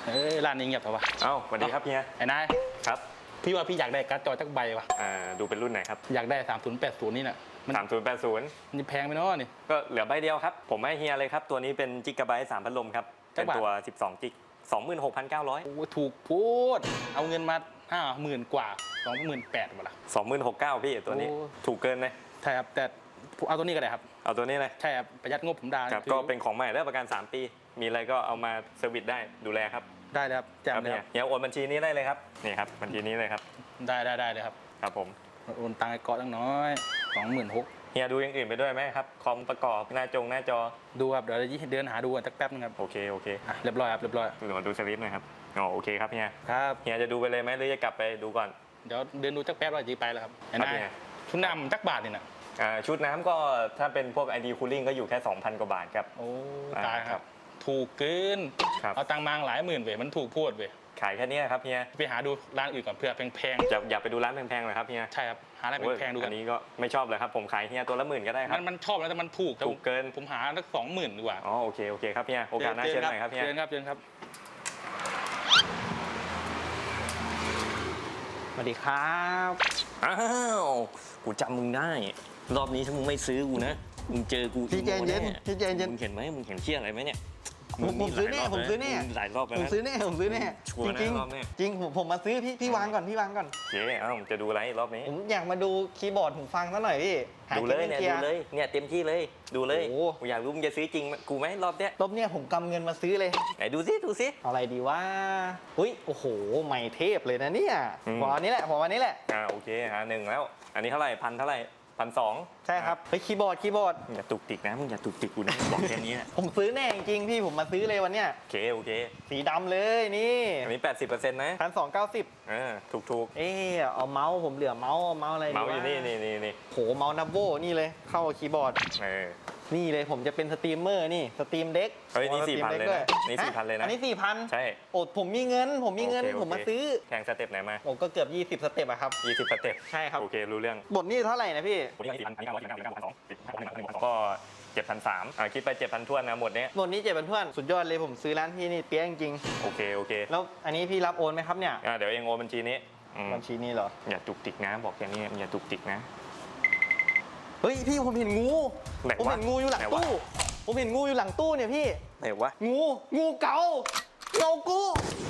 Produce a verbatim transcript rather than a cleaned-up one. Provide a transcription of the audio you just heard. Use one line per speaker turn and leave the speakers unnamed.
เอ้ยร้านนี้เงียบเหรอวะ
เอ้าสวัสดีครับเฮีย
ไอ้นาย
ครับ
พี่ว่าพี่อยากได้การ์ดจอจักใบวะ
อ่าดูเป็นรุ่นไหนครับ
อยากได้สามศูนย์แปดศูนย์นี่น่ะ
สามศูนย์แปดศูนย์
มันแพงไปเนาะนี่
ก็เหลือใบเดียวครับผมให้เฮียเลยครับตัวนี้เป็นจิกะไบต์สามพัดลมครับเป็นตัวสิบสองจิกสองหมื่นหกพันเก้าร้อย
โอ้ถูกพูดเอาเงินมาห้าหมื่นกว่าสองหมื่นแปดหมดละ
สองหมื่นหกเก้าพี่ตัวนี้ถูกเกินเลย
ใช่ครับแต่เอาตัวนี้ก็ได้ครับ
เอาตัวนี้เลย
ใช่ครับประหยัดงบผมได้
ครับก็เป็นของใหม่ได้ประกันสามปีมีอะไรก็เอามาเซอร์วิสได้ดูแลครับ
ได้เลยครับแจ่มเลยครับ
เฮียโอนบัญชีนี้ได้เลยครับนี่ครับบัญชีนี้เลยครับ
ได้ได้ได้เลยครับ
ครับผม
โอนตังค์ไอ้ก๊อตตั้งน้อยสองหมื่นหก
เฮียดูอย่างอื่นไปด้วยไหมครับคอมประกอบหน้าจงหน้าจอ
ดูครับเดี๋ยวเดินหาดูกันสักแป๊บนึงครับ
โอเคโอเค
อ่ะเรียบร้อยครับเรียบร้อย
ดูมาดูสลิปหน่อยครับอ๋อโอเคครับเฮีย
ครับ
เฮียจะดูไปเลยไหมหรือจะกลับไปดูก่อน
เดี๋ยวเดินดูสักแป๊บว่าจะไปแล้วครับไอ้นายชุดนำจักบาทนี่นะ
ชุดน้ำก็ถ้าเป็นพวก ไอ ดี Cooling ก็อยู่แค่ สองพัน กว่าบาทครับ
โอ้ตายครับถูกเกินเอาตังค์มาหลายหมื่นเว้ยมันถูกพูดเว้ย
ขายแค่นี้ครับเฮีย
ไปหาดูร้านอื่นก่อนเพื่อแพง
ๆอย่าอย่าไปดูร้านแพงๆเลยครับเฮีย
ใช่ครับหาร้านแพงๆดู
อันนี้ก็ไม่ชอบเลยครับผมขายเฮียตัวละหมื่นก็ได้ครับ
มันมันชอบแล้วแต่มันถูก
ถูกเกิน
ผมหาสักสองหมื่นดีกว่า
อ๋อโอเคโอเคครับเฮียโอกาสหน้าเชิญหน่อยครับเฮีย
เชิญครับเชิญครับสวัสดีครับ
อ้าวกูจำมึงได้รอบนี้ถ้ามึงไม่ซื้อกูนะมึงเจอกู
พี่เจนเย็นพี่เจนเย็น
มึงเห็นไหมมึงเห็นเชี่ยอะไรไหมเนี่ย
ผมซื้อแน่ผมซื้อแน่
หลายรอบแล้ว
ผมซื้อแน่ผมซื้อแน่จริงจริงจริงผมผมมาซื้อพี่พี่วางก่อนพี่วางก่อน
เจ๊เอ้าจะดูอะไรรอบนี้
ผมอยากมาดูคีย์บอร์ดหูฟังซะหน่อยพี่
ดูเลยเนี่ยดูเลยเนี่ยเต็มที่เลยดูเลยกูอยากรู้มึงจะซื้อจริงกูไหมรอบเนี้ย
รอบเนี้ยผมกำเงินมาซื้อเลย
ไหนดูซิดูซิ
อะไรดีวะอุ้ยโอ้โหใหม่เทพเลยนะเนี่ยพออันนี้แหละพออันนี้แหละ
อ่าโอเคฮะหนึ่งแล้วอันนี้เท่าไหร่พันเท่าไหร่พันสอง
ใช่ครับเฮ้ยคีย์บอร์ดคีย์บอร์ด
อย่าตุกติกนะมึงอย่าตุกติกกูนะบอกแค่นี้
ผมซื้อแน่จริงพี่ผมมาซื้อเลยวันเนี้ย
โอเคโอเค
สีดำเลยนี่
อันนี้แปดสิบเปอร์เซ็นต์นะ
พันสองเก้าสิบ
เออถูกถูก
เออเอาเมาส์ผมเหลือเมาส์เมาส์อะไร
เมาส์อยู่นี่นี่นี่นี่
โหเมาส์นับโวนี่เลยเข้าคีย์บอร์ด
เออ
นี่เลยผมจะเป็นสตรีมเมอร์นี่สตรีมเด็ก
เฮ้ยนี่สี่พันเลยนะนี่สี่พันเลยนะ
อันนี้สี่พัน
ใช่
โอ้ผมมีเงินผมมีเงินผมมาซื้อ
แข่งสเต็ปไหนมา
โอ้ก็เกือบยี่สิบสเต็ปอะครับ
ยี่สิบสเต็ป
ใช่ครับ
โอเครู้เรื่อง
บทนี้เท่าไหร่นะพี่
บทนี้สี่พันอันนี้เก้าร้อยเก้าสิบเก้าพันสองก็เจ็ดพันสามอ่าคิดไปเจ็ดพันทวนนะหมดนี้
หมดนี้เจ็ดพันทวนสุดยอดเลยผมซื้อร้านพี่นี่เปี้ยจริง
โอเคโอเค
แล้วอันนี้พี่รับโอนไหมครับเนี่ย
อ่าเดี๋ยวเองโอนบัญชีนี้
บัญชีนี้เหรอ
อย่าตุกติกนะบอกแค่นี้อย่าตุกติกนะ
เฮ้ยพี่ผมเห็นงูผมเห็นงูอยู่หลังตู้ผมเห็นงูอยู่หลังตู้เนี่ยพี่
ไหนวะ
งูงูเก่าเงากู